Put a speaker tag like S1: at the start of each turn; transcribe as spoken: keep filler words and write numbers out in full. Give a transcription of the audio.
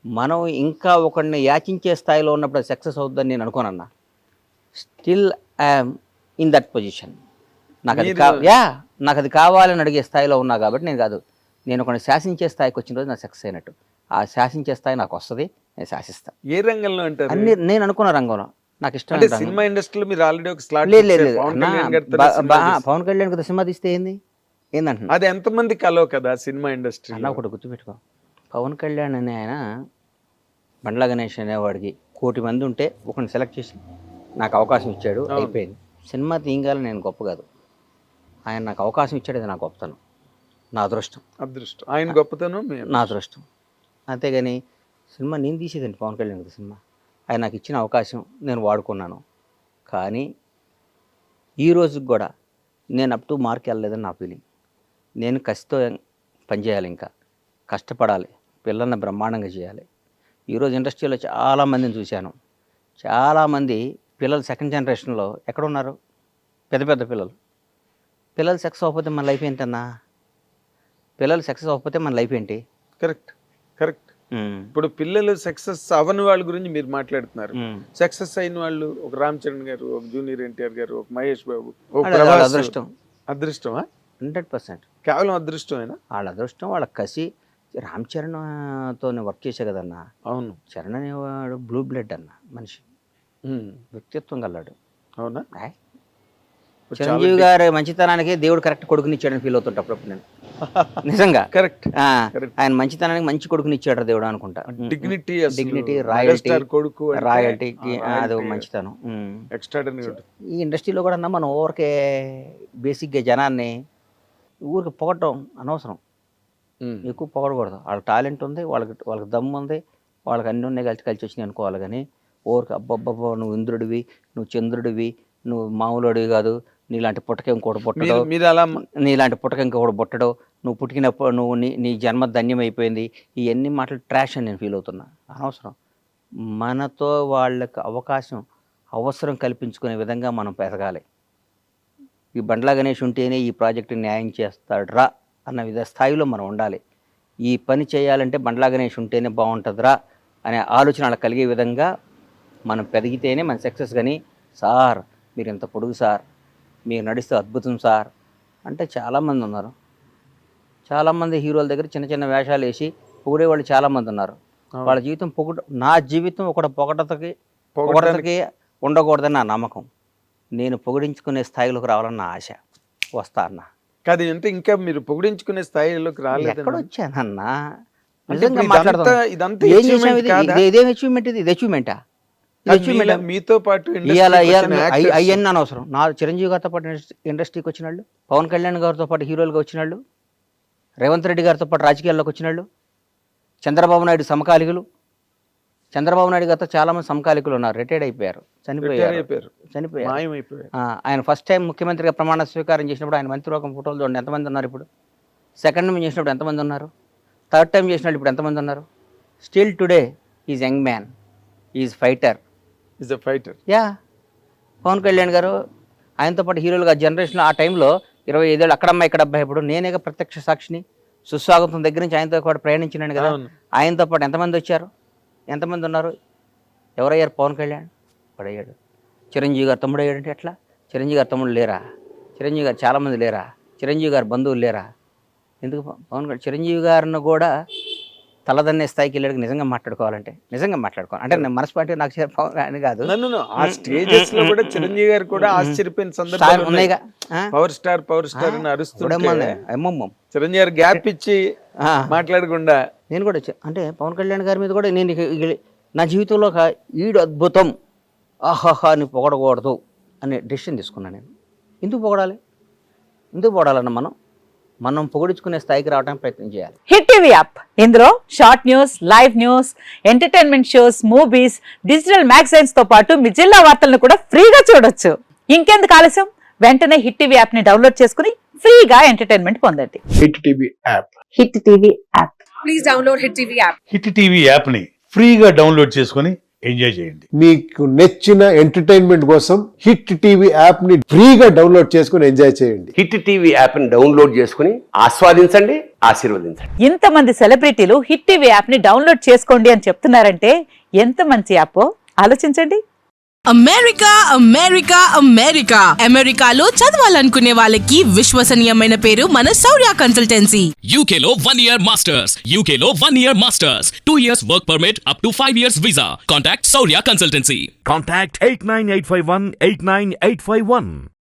S1: మనం ఇంకా ఒకడిని యాచించే స్థాయిలో ఉన్నప్పుడు అది సక్సెస్ అవుతుందని నేను అనుకోనన్నా. Still I'm in that position. నాకు అది కా యా నాకు అది కావాలని అడిగే స్థాయిలో ఉన్నా కాబట్టి నేను కాదు, నేను ఒకరిని శాసించే స్థాయికి వచ్చిన రోజు నాకు సక్సెస్ అయినట్టు. ఆ శాసించే స్థాయి నాకు వస్తుంది, నేను శాసిస్తాను.
S2: ఏ రంగంలో అంటారు?
S1: అన్ని నేను అనుకున్న రంగంలో నాకు ఇష్టం.
S2: అంటే సినిమా ఇండస్ట్రీలో మీరు ఆల్రెడీ ఒక స్లాట్
S1: లేదు లేదు లేదు
S2: పవన్
S1: అన్నా,
S2: కళ్యాణ్ గారితో
S1: బా-
S2: సినిమా
S1: బా-
S2: చేశారు.
S1: పవన్ కళ్యాణ్ కదా సినిమా తీస్తే ఏంది ఏందంటున్నా
S2: అది ఎంతమంది కలవ కదా సినిమా ఇండస్ట్రీ.
S1: అన్న. ఒకటి గుర్తుపెట్టుకో, పవన్ కళ్యాణ్ అనే ఆయన బండ్ల గణేష్ అనేవాడికి కోటి మంది ఉంటే ఒకరిని సెలెక్ట్ చేసి నాకు అవకాశం ఇచ్చాడు,
S2: అవును.
S1: అయిపోయింది. సినిమా తీయగాలని నేను గొప్ప కాదు, ఆయన నాకు అవకాశం ఇచ్చాడు, అది నా గొప్పతనం, నా అదృష్టం.
S2: అదృష్టం ఆయన గొప్పతనం మీ
S1: నా అదృష్టం. అంతేగాని సినిమా నేను తీసేదండి పవన్ కళ్యాణ్ గారి సినిమా. ఆయన నాకు ఇచ్చిన అవకాశం నేను వాడుకున్నాను. కానీ ఈ రోజుకి కూడా నేను అప్ టు మార్క్ వెళ్ళలేదని నా ఫీలింగ్. నేను కసితో పనిచేయాలి, ఇంకా కష్టపడాలి, పిల్లల్ని బ్రహ్మాండంగా చేయాలి. ఈరోజు ఇండస్ట్రీలో చాలామందిని చూశాను. చాలామంది పిల్లలు సెకండ్ జనరేషన్లో ఎక్కడున్నారు? పెద్ద పెద్ద పిల్లలు. పిల్లలు సక్సెస్ అవ్వకపోతే మన లైఫ్ ఏంటన్నా? పిల్లలు సక్సెస్ అవ్వకపోతే మన లైఫ్ ఏంటి?
S2: Correct correct. ఇప్పుడు పిల్లలు సక్సెస్ అవ్వని వాళ్ళ గురించి మీరు మాట్లాడుతున్నారు. సక్సెస్ అయిన వాళ్ళు ఒక రామ్ చరణ్ గారు, ఒక జూనియర్ ఎన్టీఆర్ గారు, ఒక మహేష్ బాబు, ఒక ప్రభాస్.
S1: అదృష్టం.
S2: అదృష్టమా?
S1: హండ్రెడ్ పర్సెంట్
S2: కేవలం అదృష్టమేనా?
S1: వాళ్ళ అదృష్టం, వాళ్ళ కసి. రామ్ చరణ్తో వర్క్ చేసే కదన్నా.
S2: అవును.
S1: చరణ్ అనేవాడు బ్లూ బ్లడ్ అన్న మనిషి,
S2: ఉమ్.
S1: వ్యక్తిత్వం గల్లాడు.
S2: అవునా?
S1: ఆయ్. చిరంజీవి గారి మంచితనానికి దేవుడు కరెక్ట్ కొడుకునిచ్చాడని ఫీల్ అవుతుంటా అప్పుడప్పుడు నేను. నిజంగా
S2: కరెక్ట్.
S1: ఆ, ఆయన మంచితనానికి మంచి కొడుకునిచ్చాడు దేవుడు అనుకుంటా.
S2: డిగ్నిటీ
S1: డిగ్నిటీ, రాయల్టీ,
S2: కొడుకు
S1: రాయల్టీకి అది ఒక మంచితనం. ఉమ్.
S2: ఎక్స్ట్రాడనరీ.
S1: ఈ ఇండస్ట్రీలో కూడా అన్నా మనం ఊరికే బేసిక్గా జనాన్ని ఊరికి పొగటం అనవసరం, ఎక్కువ పొగడకూడదు. వాళ్ళకి టాలెంట్ ఉంది, వాళ్ళకి వాళ్ళకి దమ్ము ఉంది, వాళ్ళకి అన్నీ ఉన్నాయి, కలిసి కలిసి వచ్చినాయి అనుకోవాలి. కానీ ఊరికి అబ్బబ్బబ్బా నువ్వు ఇంద్రుడివి, నువ్వు చంద్రుడివి, నువ్వు మామూలుడివి కాదు, నీలాంటి పుట్టక ఇంకోటి పుట్టడు,
S2: మీరు అలా
S1: నీలాంటి పుట్టక ఇంకొకటి పుట్టడు, నువ్వు పుట్టినప్పుడు నువ్వు నీ నీ జన్మ ధన్యం అయిపోయింది, ఇవన్నీ మాటలు ట్రాష్ అని నేను ఫీల్ అవుతున్నా. అనవసరం. మనతో వాళ్ళకి అవకాశం అవసరం కల్పించుకునే విధంగా మనం పెరగాలి. ఈ బండ్ల గణేష్ ఉంటేనే ఈ ప్రాజెక్టు న్యాయం చేస్తాడ్రా అన్న విధ స్థాయిలో మనం ఉండాలి. ఈ పని చేయాలంటే బండ్ల గణేష్ ఉంటేనే బాగుంటుందిరా అనే ఆలోచన వాళ్ళకి కలిగే విధంగా మనం పెరిగితేనే మన సక్సెస్. కానీ సార్ మీరు ఎంత పొడుగు సార్, మీరు నడిస్తే అద్భుతం సార్ అంటే చాలామంది ఉన్నారు. చాలామంది హీరోల దగ్గర చిన్న చిన్న వేషాలు వేసి పొగిడే వాళ్ళు చాలామంది ఉన్నారు. వాళ్ళ జీవితం పొగట, నా జీవితం ఒకటి పొగటతకి పొగటతకి ఉండకూడదని నా నమ్మకం. నేను పొగిడించుకునే స్థాయిలోకి రావాలని నా ఆశ. వస్తా అన్న
S2: కాదు అంటే ఇంకా మీరు పొగిడించుకునే స్థాయిలోకి రాలేదు.
S1: ఎక్కడ వచ్చానన్నా?
S2: అంటే
S1: నిజంగా
S2: ఇప్పుడు
S1: మాట్లాడదాం.
S2: ఇదంతా- ఇదంతా
S1: ఏం
S2: achievement
S1: చేసావు ఇది?
S2: కాదా?
S1: ఇది- ఇదేం అచీవ్మెంట్? ఇది ఇది అచీవ్మెంటా?
S2: అది మీలా- మీతో పాటు
S1: ఇవాళ
S2: industry కి వచ్చిన actors-
S1: అవన్నీ అనవసరం. నా చిరంజీవి గారితో పాటు ఇండస్ట్రీకి వచ్చిన వాళ్ళు, పవన్ కళ్యాణ్ గారితో పాటు హీరోలుగా వచ్చిన వాళ్ళు, రేవంత్ రెడ్డి గారితో పాటు రాజకీయాల్లోకి వచ్చిన వాళ్ళు, చంద్రబాబు నాయుడు సమకాలికులు. చంద్రబాబు నాయుడు గారితో చాలామంది సమకాలికులు ఉన్నారు, రిటైర్డ్ అయిపోయారు,
S2: retire
S1: చనిపోయారు
S2: అయిపోయారు,
S1: చనిపోయారు
S2: మాయమైపోయారు.
S1: ఆ, ఆయన ఫస్ట్ టైం ముఖ్యమంత్రిగా ప్రమాణ స్వీకారం చేసినప్పుడు ఆయన మంత్రివర్గం ఫోటోలు చూడండి ఎంతమంది ఉన్నారు ఇప్పుడు. సెకండ్ టైం చేసినప్పుడు ఎంతమంది ఉన్నారు, థర్డ్ టైం చేసినప్పుడు ఇప్పుడు ఎంతమంది ఉన్నారు. Still today is young man, is fighter.
S2: Is a fighter.
S1: Yeah, Pawan Kalyan garu ఆయనతో పాటు హీరోలుగా జనరేషన్లో ఆ టైంలో ఇరవై ఐదేళ్ళు అక్కడమ్మ ఇక్కడ అబ్బాయి. ఇప్పుడు నేనేగా ప్రత్యక్ష సాక్షిని. సుస్వాగతం దగ్గర నుంచి ఆయనతో పాటు ప్రయాణించినాను కదా.
S2: అవును.
S1: ఆయనతో పాటు ఎంతమంది వచ్చారు, ఎంతమంది ఉన్నారు? ఎవరయ్యారు? పవన్ కళ్యాణ్ వాడయ్యాడు. చిరంజీవి గారు తమ్ముడు అయ్యాడంటే ఎట్లా? చిరంజీవి గారు తమ్ముడు లేరా? చిరంజీవి గారు చాలామంది లేరా? చిరంజీవి గారు బంధువులు లేరా? ఎందుకు పవన్ కళ్యాణ్ చిరంజీవి గారిని కూడా తలదన్నే స్థాయికి వెళ్ళాడు. నిజంగా మాట్లాడుకోవాలంటే నిజంగా మాట్లాడుకోవాలి అంటే నేను మనస్పాటి నాకు చిర- పవన్ అని కాదు,
S2: నన్ను ఆ స్టేజెస్ లో కూడా చిరంజీవి గారు కూడా ఆశ్చర్యపోయిన సందర్భాలు ఉన్నాయి.
S1: ఉన్నాయిగా. ఆ?
S2: పవర్ స్టార్ పవర్ స్టార్ అని అరుస్తుంటే
S1: ఉడమ్మనే, అమ్మమ్మ.
S2: చిరంజీవి గారు గ్యాప్ ఇచ్చి
S1: ఆ.
S2: మాట్లాడకుండా
S1: నేను కూడా చె- అంటే పవన్ కళ్యాణ్ గారి మీద కూడా నేను ఇక- ఇక నా జీవితంలో ఒక ఈడు అద్భుతం ఆహాహా అని పొగడకూడదు అనే డెసిషన్ తీసుకున్నాను నేను. ఎందుకు పొగడాలి? ఎందుకు పొగడాలన్న మనం మనం పొగడించుకునే స్థాయికి రావడానికి ప్రయత్నం చేయాలి.
S3: హిట్ టీవీ యాప్, ఇందులో short news, live news, entertainment shows, movies, digital magazines తో పాటు మీ జిల్లా వార్తలను కూడా ఫ్రీగా చూడొచ్చు. ఇంకెందుకు ఆలస్యం, వెంటనే హిట్ టీవీ యాప్ ని డౌన్లోడ్ చేసుకుని ఫ్రీగా ఎంటర్టైన్మెంట్ పొందండి.
S4: Hit TV app.
S3: Hit TV app.
S5: Please download Hit T V app.
S4: Hit TV యాప్ని ఫ్రీగా డౌన్లోడ్ చేసుకొని ఎంజాయ్ చేయండి.
S5: మీకు నచ్చిన ఎంటర్టైన్మెంట్ కోసం హిట్ టీవీ యాప్ ని ఫ్రీగా డౌన్లోడ్ చేసుకుని ఎంజాయ్ చేయండి.
S6: హిట్ టీవీ యాప్ ని డౌన్లోడ్ చేసుకుని ఆస్వాదించండి, ఆశీర్వదించండి.
S3: ఇంతమంది సెలబ్రిటీలు హిట్ టీవీ యాప్ ని డౌన్లోడ్ చేసుకోండి అని చెప్తున్నారంటే ఎంత మంచి యాప్ ఆలోచించండి.
S7: అమెరికా అమెరికా అమెరికా అమెరికాలో చదవాలనుకునే వాళ్ళకి విశ్వసనీయమైన పేరు మన శౌర్య కన్సల్టెన్సీ.
S8: U K లో one year masters, U K లో one year masters, two years work permit up to five years visa. Contact Saurya Consultancy.
S4: Contact eight nine eight five one eight nine eight five one.